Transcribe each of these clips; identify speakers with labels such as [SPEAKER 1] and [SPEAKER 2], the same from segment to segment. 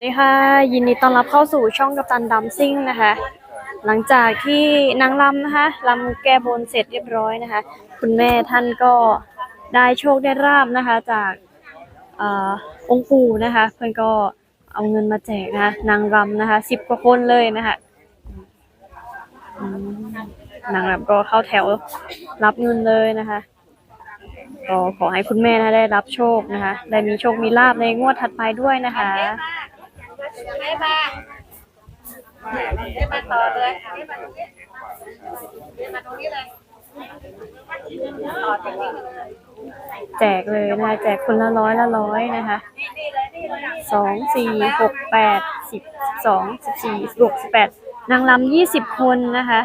[SPEAKER 1] สวัสดีค่ะยินดีต้อนรับเข้าสู่ช่องกัปตันดัมซิ่งนะคะหลังจากที่นางรำนะคะรำแก้บนเสร็จเรียบร้อยนะคะคุณแม่ท่านก็ได้โชคได้ลาภนะคะจากองค์ปู่นะคะเพื่อนก็เอาเงินมาแจกนะคะนางรำนะคะ10 กว่าคนเลยนะคะนางรำก็เข้าแถวรับเงินเลยนะคะก็ขอให้คุณแม่นะได้รับโชคนะคะได้มีโชคมีลาภในงวดถัดไปด้วยนะคะ
[SPEAKER 2] ได้มาได้มาต่อเลยได้มาตรงนี้เลยต่อจากนี้
[SPEAKER 1] แจกเลยนะคะแจกคนละร้อยนะคะ2 4 6 8 10 12 14 16 18นางรำ20 คนนะคะ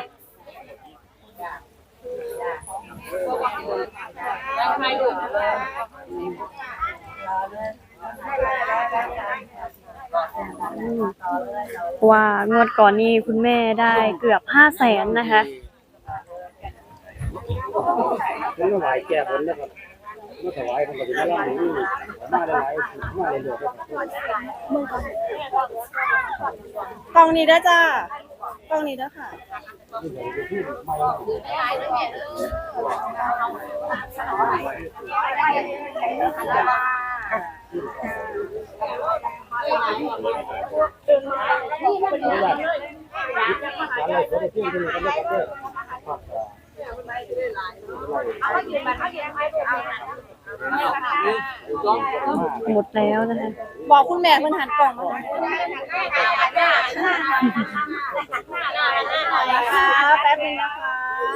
[SPEAKER 1] ว่างวดก่อนนี้คุณแม่ได้เกือบ500,000นะคะ
[SPEAKER 3] มันก็หลายแก่ผลนะครับเมื่อถวายมันก็จะมาล่างนี่มาได้หลายมาได้เยอะ
[SPEAKER 2] กล้องนี้ได้จ้ากล้องนี้ได้ค่ะ
[SPEAKER 1] หมดแล้วนะคะ
[SPEAKER 2] บอกคุณแม่เพิ่นหันกล่องมานะคะแป๊บนึงนะคะ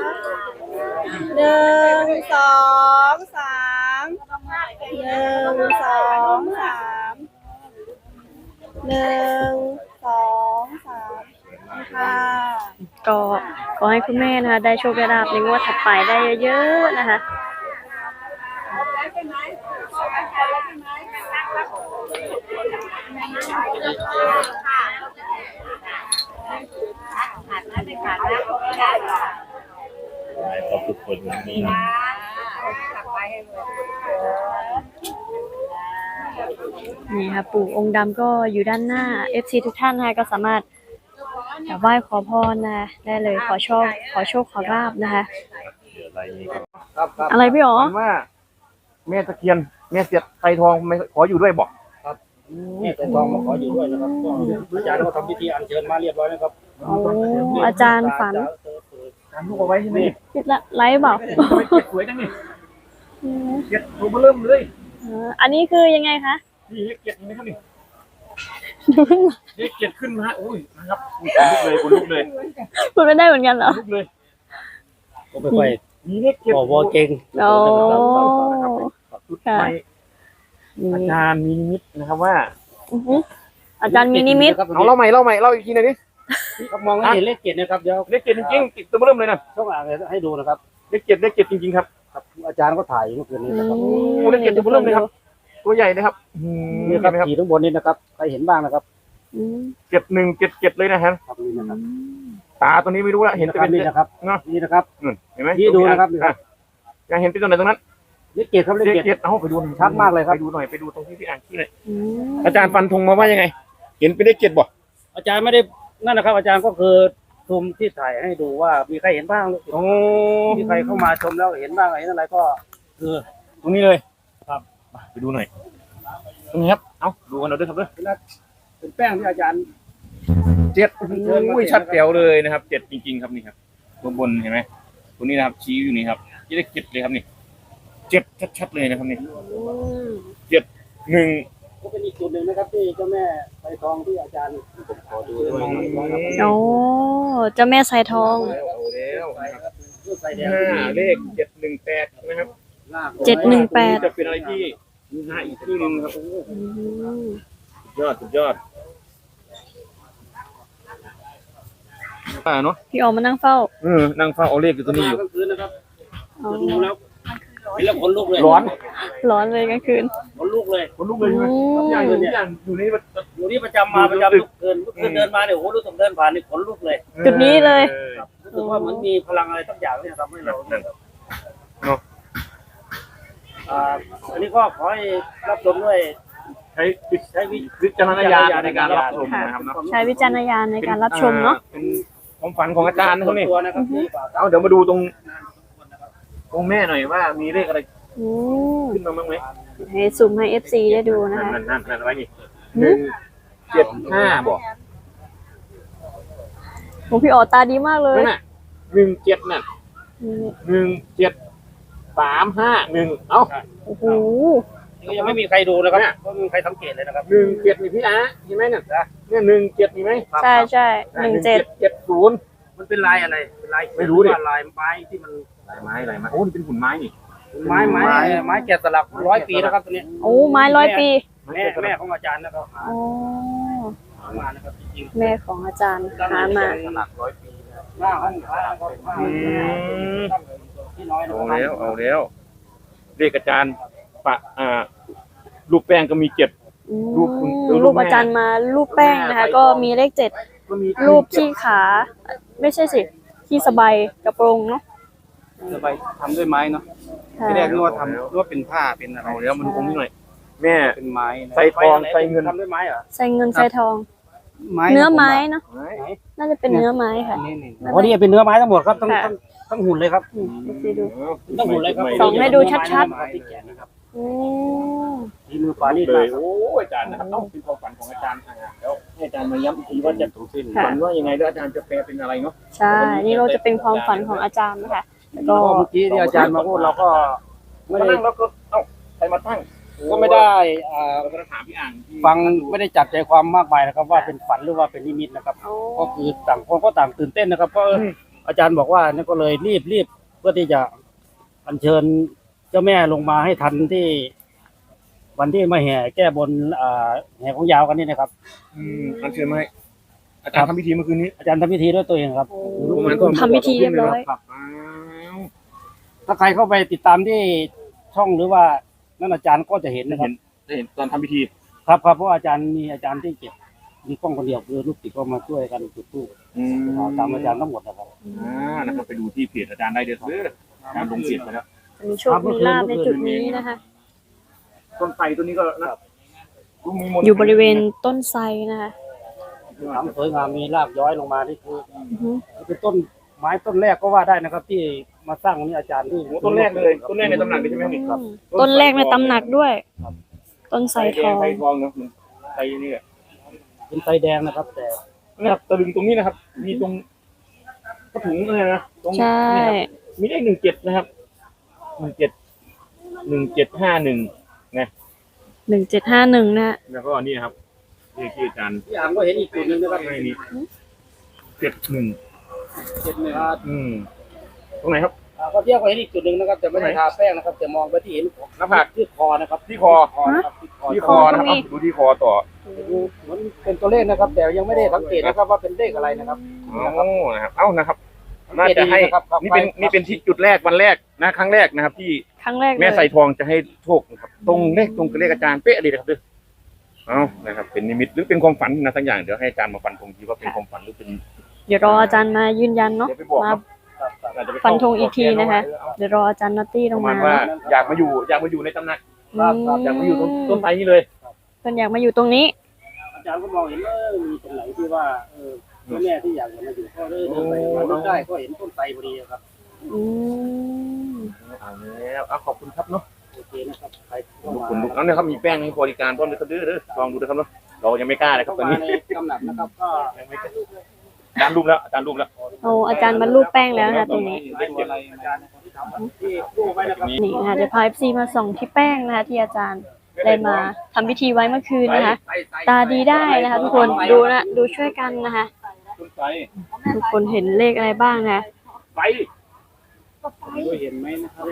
[SPEAKER 2] 1 2 3 1 2 3 1 2 3ค่ะ
[SPEAKER 1] ก็ขอให้คุณแม่นะคะได้โชคได้ลาภในงวดถัดไปได้เยอะๆนะคะ
[SPEAKER 3] ขอบคุณนี่นะ
[SPEAKER 1] นี่ค่ะปู่องค์ดำก็อยู่ด้านหน้า FC ทุกท่านนะคะก็สามารถไหว้ขอพรนะได้เลยขอโชคขอลาภนะคะอะไรพี่อ๋อ
[SPEAKER 4] ว่าแม่ตะเคียนแม่เสียดไทยทองไม่ขออยู่ด้วยบอก
[SPEAKER 3] ครับแม่แต่ทองมาขออยู่ด้วยนะครับอาจารย์ก็ทำพิธีอัญเชิญมาเรียบร้อยแล้วครับ
[SPEAKER 1] อาจารย์ฝัน
[SPEAKER 4] ทำลูกเอาไว้ใช่ไหม
[SPEAKER 1] คิดละไลฟ์เปล่า
[SPEAKER 4] เก็บสวยจังนี่เก็บตัวเริ่มเลย
[SPEAKER 1] อันนี้คือยังไงคะ
[SPEAKER 4] นี่เก็บยังไงครับนี่เก็บขึ้นมาโอ้ยนะครับคนลุกเลย
[SPEAKER 1] พูดไม่ได้เหมือนกันเหรอ
[SPEAKER 4] ลุกเลย
[SPEAKER 3] ก็ไปไป
[SPEAKER 4] มีเล็กเก็บ
[SPEAKER 3] บอกว่าเก่ง
[SPEAKER 1] โอ้
[SPEAKER 4] ค่ะอาจารย์มีนิมิตนะครับว่า
[SPEAKER 1] อาจารย์มีนิมิต
[SPEAKER 4] เอาเล่าใหม่เล่าอีกทีหน่อยดิ
[SPEAKER 3] มองเห็นเลขเจ็ดนะครับเดี๋ยว
[SPEAKER 4] เลขเจ็ดจริงๆติดตัวเริ่มเลยนะ
[SPEAKER 3] ต้องอ่านให้ดูนะครับ
[SPEAKER 4] เลขเจ็ดจริงๆครับ
[SPEAKER 3] อาจารย์ก็ถ่ายเมื่อคืนนี้นะครับ
[SPEAKER 4] เลขเจ็ดตัวเริ่มเลยครับตัวใหญ่นะครับ
[SPEAKER 3] นี่ครับขีดข้างบนนี้นะครับใครเห็นบ้างนะครับ
[SPEAKER 4] 7177เลยนะฮะตาตัวนี้ไม่รู้ละเห็นจะเป็น
[SPEAKER 3] นี่นะครับนี่นะครับ
[SPEAKER 4] เห็นไหม
[SPEAKER 3] ที่ดูนะครับ
[SPEAKER 4] อยากเห็นเป็นตัวไหนตรงนั้น
[SPEAKER 3] เลขเจ็ดครับเลขเจ็ด
[SPEAKER 4] เอาไปดู
[SPEAKER 3] ชัดมากเลยครับ
[SPEAKER 4] ไปดูหน่อยไปดูตรงที่อ่านที่เลยอาจารย์ฟันธงมาว่ายังไงเห็นเป็นเลขเจ็ดบ่
[SPEAKER 3] อาจารย์ไม่ได้นั่นนะครับอาจารย์ก็คือชมที่ถ่ายให้ดูว่ามีใครเห็นบ้างมีใครเข้ามาชมแล้วเห็นบ้างอะไรก็คือ
[SPEAKER 4] ตรงนี้เลย
[SPEAKER 3] ครับ
[SPEAKER 4] ไปดูหน่อยตรงนี้ครับเอาดูกันเราด้วยครับด้วย
[SPEAKER 3] เป็นแป้งที่อาจารย์
[SPEAKER 4] 7ชัดแจ๋วเลยนะครับ7จริงๆครับนี่ครับตัวบนเห็นไหมตัวนี้นะครับชี้อยู่นี่ครับที่ได้7เลยครับนี่7ชัดๆเลยนะครับนี่7 1
[SPEAKER 3] ก็เป็นอีกจุดหนึ่งนะครับที่เจ้าแม่ไทยทองที่อาจารย์ขอดูด้วย
[SPEAKER 1] โอ้เจ้าแม่ไทยทอง
[SPEAKER 4] เลข718นะครับ
[SPEAKER 1] 718
[SPEAKER 4] จะเป็นอะไรที่อีกครึ่งนึงครับสุดยอดเนาะ
[SPEAKER 1] พี่ออกมานั่งเฝ้า
[SPEAKER 4] นั่งเฝ้าเอาเลขอยู่ตัวนี้อยู่
[SPEAKER 3] ดูแล้วเห็นแล้วขนลุกเลย
[SPEAKER 1] ร้อนเลยกลางคืน
[SPEAKER 3] ขนลุกเลย
[SPEAKER 4] ใช่ไหมอย่างอยู่
[SPEAKER 3] นี่ประจำมาประจำทุกคืนเดินมาเนี่ยโอ้โหรู้สึกเดินผ่านนี่ขนลุกเลย
[SPEAKER 1] จุดนี้เลย
[SPEAKER 3] รู้สึกว่ามันมีพลังอะไรสักอย่างที่ทำให้เราอันนี้ก็ขอให้รับชมด้วย
[SPEAKER 4] วิจารณญาณในการรับชมนะครับเนาะ
[SPEAKER 1] ใช้วิจารณญาณในการรับชมเนาะ
[SPEAKER 4] เป็นความฝันของอาจารย์นะครับนี่
[SPEAKER 3] ตัวนะครับที่ฝาก
[SPEAKER 4] เอาเดี๋ยวมาดูตรงแม่หน่อยว่ามีเลขอะไร
[SPEAKER 1] อืม
[SPEAKER 4] ขึ้นมาบ้างไหม
[SPEAKER 1] ให้ซูมให้ FC ได้ดูนะคะ
[SPEAKER 4] นั่นไว้นี่175บอก
[SPEAKER 1] โอ้พี่อ๋อตาดีมากเลย
[SPEAKER 4] นั่นน่ะ17น่ะ
[SPEAKER 1] นี่
[SPEAKER 4] 17351เอ้า
[SPEAKER 1] โอ้โห
[SPEAKER 3] ก็ยังไม่มีใครดูนะครับก็ไม่มีใครสังเกตเลยนะครับ
[SPEAKER 4] 17นี่พี่อาเห็นไหมเนี่ยเนี่ย17มีไหม
[SPEAKER 1] ใช่ใช่17
[SPEAKER 4] 70
[SPEAKER 3] มันเป็นลายอะไรเป็นลาย
[SPEAKER 4] ไม่รู้ดิ
[SPEAKER 3] ลายไม้ที่มัน
[SPEAKER 4] ลายไม้โอ้นี่เป็นหุ่นไม้นี่
[SPEAKER 3] ไม้แกะสลัก100 ปีนะครับตัวนี้
[SPEAKER 1] โอ้ไม้100 ปี
[SPEAKER 3] แม่ของอาจารย์นะครับ
[SPEAKER 1] อ๋อ
[SPEAKER 3] หามานะครับจริง
[SPEAKER 1] แม่ของอาจารย์หามา
[SPEAKER 3] สลัก100 ปีหน้าห้องพระก็ที่น้อยนะ
[SPEAKER 4] เอาแล้วเลขอาจารย์ปะรูปแป้งก็มี7
[SPEAKER 1] อืม
[SPEAKER 4] รูปคุณ
[SPEAKER 1] รูปอาจารย์มารูปแป้งนะคะ ก็มีเลข7
[SPEAKER 4] ก็มี
[SPEAKER 1] รูปที่ขา ไม่ใช่สิที่สบายกระโปรงเนาะ
[SPEAKER 3] จะไปทำด้วยไม้เนาะ
[SPEAKER 1] ค่ะ
[SPEAKER 3] ที่แรกนึกว่าทำนึกว่าเป็นผ้าเป็นอะไร
[SPEAKER 4] เอาแล้วมันคงนิดหน่อยแม่
[SPEAKER 3] เป็นไม้นะ
[SPEAKER 4] ใส่ทองใส่เงิน
[SPEAKER 3] ทำด้วยไม้เหรอ
[SPEAKER 1] ใส่เงินใส่ทอง
[SPEAKER 3] ไม้
[SPEAKER 1] เนื้อไม้เนาะ
[SPEAKER 4] ไหน
[SPEAKER 1] น่าจะเป็นเนื้อไม้ค่ะ
[SPEAKER 3] นี่อ๋อนี่เป็นเนื้อไม้ทั้งหมดครับต้อง
[SPEAKER 1] ค่ะ
[SPEAKER 3] ต้องหุ่นเลยครับ
[SPEAKER 1] ดูดู
[SPEAKER 3] ต้องหุ่นเลยครับ
[SPEAKER 1] ส่องให้ดูชัด
[SPEAKER 3] ที่แกะนะครับ
[SPEAKER 1] อืม
[SPEAKER 3] ที่มือขวานี่
[SPEAKER 4] เล
[SPEAKER 3] เลย ย
[SPEAKER 4] โอ้อาจารย์นะครับต้องเป็นความฝันของอาจารย์แล้วให้อาจารย์มาย้ำอีกทีว่าจะถูกสิ้น
[SPEAKER 1] ค่ะ
[SPEAKER 4] ฝันว่ายังไงแล้วอาจารย์จะแปลเป็นอะไรเนาะ
[SPEAKER 1] ใช่ นี่เราจะเป็นความฝันของอาจารย์นะคะแล้วก็
[SPEAKER 3] ก็เมื่อกี้ที่อาจารย์มาพูดเราก็ไม่
[SPEAKER 4] มา
[SPEAKER 3] ได้
[SPEAKER 4] นั่งแล้วก็เอ้าใครมาตั้ง
[SPEAKER 3] ก็ไม่ได้
[SPEAKER 4] เราก็ถามพี่อ่างที่
[SPEAKER 3] ฟังไม่ได้จับใจความมากมายนะครับ ว่าเป็นฝันหรือว่าเป็นนิมิตนะครับ ก็คือต่างคนก็ต่างตื่นเต้นนะครับเพราะอาจารย์บอกว่านี่ก็เลยรีบเพื่อที่จะอัญเชิญเจ้าแม่ลงมาให้ทันที่ วันที่มาแห่แก้บนแห่ของยาวกันนี่นะครับ
[SPEAKER 4] อันเชิญมาให้อาจารย์ทำพิธีเมื่อคืนนี้
[SPEAKER 3] อาจารย์ทำพิธีด้วยตัวเองครับ
[SPEAKER 1] ทำพิธีเรียบร้อย
[SPEAKER 4] ครับ
[SPEAKER 3] ถ้าใครเข้าไปติดตามที่ช่องหรือว่านั่นอาจารย์ก็จะเห็นนะครับ
[SPEAKER 4] ได้เห็นตอนทำพิธี
[SPEAKER 3] ครับเพราะอาจารย์มีอาจารย์ที่เก็บมีกล้องคนเดียวคือลูกศิษย์ก็มาช่วยกันจุดธูปตามอาจารย์ทั้งหมดนะครับ
[SPEAKER 4] นะครับไปดูที่เพจอาจารย์ได้เลยครับอาจารย์ลงเพจไปแล้ว
[SPEAKER 1] มีโชคมีลาภในจุดนี้นะคะ
[SPEAKER 4] ต้นไทรตัวนี้ก็นะมีมนต์
[SPEAKER 1] อยู่บริเวณต้นไทรนะคะ
[SPEAKER 3] ทำสวยงามมีรากย้อยลงมาที่คือ
[SPEAKER 1] อือฮึ
[SPEAKER 3] เป็นต้นไม้ต้นแรกก็ว่าได้นะครับ ที่มาสร้างวันนี้อาจารย์ที่
[SPEAKER 4] โอ้ต้นแรกเลยต้นแรกในตำหนักเลยใช่ไหมนี่ครับ
[SPEAKER 1] ต้นแรกในตำหนักด้วย ต้นไทรทอง
[SPEAKER 4] ไทรทองเนาะไทรนี่
[SPEAKER 3] เป็นไทรแดงนะครับ แต่
[SPEAKER 4] นะครับตะลึงตรงนี้นะครับ มีตรงกระถุงเลยนะตรง
[SPEAKER 1] ใช่
[SPEAKER 4] มีเลข17นะครับ171751นะ
[SPEAKER 1] 1751นะ
[SPEAKER 4] แล้วก็นี่ครับเลขที่อาจารย์
[SPEAKER 3] พี่อ่างก็เห็นอีกจุดหนึ่งนะครับ
[SPEAKER 4] ให้นี่71
[SPEAKER 3] เจ็ดหนึ่งครับ
[SPEAKER 4] ตรงไหนครับ
[SPEAKER 3] ก็เที่ยวก็เห็นอีกจุดหนึ่งนะครับแต่ไม่ได้ทาแป้งนะครับแต่มองไปที่เห็น
[SPEAKER 4] หน้าผาก
[SPEAKER 3] ที่คอนะครับ
[SPEAKER 4] ที่คอ
[SPEAKER 3] นะครับที่คอ
[SPEAKER 4] ที่คอนะครับดูที่คอต่อ
[SPEAKER 3] เหมือนเป็นตัวเลขนะครับ แต่ยังไม่ได้สังเกตนะครับว่าเป็นเลขอะไรนะครับ
[SPEAKER 4] นะครับเอ้านะครับน่าจะให้นี่เป็นที่จุดแรกวันแรกนะครั้งแรกนะครับ ที่
[SPEAKER 1] ครั้งแรกเล
[SPEAKER 4] แม่
[SPEAKER 1] ย
[SPEAKER 4] ใส่ทองจะให้โชคนะครับตรงเลขตรงกับเลขอาจารย์เป๊ะเลยนะครับเด้อเอานะครับ เป็นนิมิตหรือเป็นความฝันนะทั้งอย่างเดี๋ยวให้อาจารย์มาฟันธงทีว่าเป็นความฝันหรือเป็น
[SPEAKER 1] เดี๋ยวรออาจารย์มายืนยันเนาะ
[SPEAKER 4] เดี๋ยวไปบอก
[SPEAKER 1] มา
[SPEAKER 4] อาจจะไป
[SPEAKER 1] ฟันธงอีกทีนะคะ เดี๋ยวรออาจารย์นอตตี้ล
[SPEAKER 4] ป
[SPEAKER 1] ง
[SPEAKER 4] ระมา
[SPEAKER 1] มา
[SPEAKER 4] ณว่าอยากมาอยู่ในตำหนัก
[SPEAKER 1] อืม
[SPEAKER 4] อยากมาอยู่ต้นไทรนี่เลย
[SPEAKER 1] เพิ่นอยากมาอยู่ตรงนี้
[SPEAKER 3] อาจารย์ก็มองเห็นมีตรงไหนที่ว่าพ่อแม่ที่อยากจะมาอยู่ก็เลยเดินไปมาดูได้ก็เห็นต้นไทรพอดีครับ
[SPEAKER 1] อืม
[SPEAKER 4] เอาแล้วขอบคุณครับเนาะ
[SPEAKER 3] โอเคนะครับใคร
[SPEAKER 4] ขอบคุณเอาเนี่ยครับมีแป้งให้บริการพร้อมเลยครับเด้อลองดูนะครับเนาะเรายังไม่กล้าเลยครับตอนนี้
[SPEAKER 3] ในกำหนักนะครับก็
[SPEAKER 4] อาจารย์รูปแล้วอาจารย์รูปแล้ว
[SPEAKER 1] เอาอาจารย์มาลูบแป้งแล้วนะคะตรงนี้
[SPEAKER 3] อะไรอาจารย์ที่ทำที่กู้ไว้นะครับ
[SPEAKER 1] นี่นะคะเดี๋ยวพา FC มาส่องที่แป้งนะคะที่อาจารย์ได้มาทำพิธีไว้เมื่อคืนนะคะ ตาดีได้นะคะ ทุกคนดูนะดูช่วยกันนะคะ
[SPEAKER 4] ต้นไทร
[SPEAKER 1] ทุกคนเห็นเลขอะไรบ้างนะคะ
[SPEAKER 4] ไฟ
[SPEAKER 3] ก็เห็นไหมนะครับ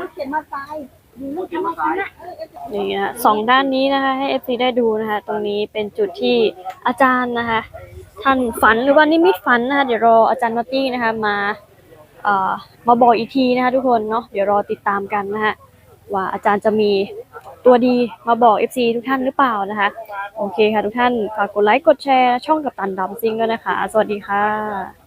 [SPEAKER 1] นี่นะสองด้านนี้นะคะให้ FC ได้ดูนะคะ ตรงนี้เป็นจุดที่อาจารย์นะคะ ท่านฝันหรือว่านิมิตฝันนะคะ เดี๋ยวรออาจารย์นอตตี้นะคะมาบอกอีกทีนะคะ ทุกคนเนาะเดี๋ยวรอติดตามกันนะคะว่าอาจารย์จะมีตัวดีมาบอก FC ทุกท่านหรือเปล่านะคะโอเคค่ะทุกท่านฝากกดไลค์กดแชร์ช่องกัปตันดัมซิงด้วยนะคะ สวัสดีค่ะ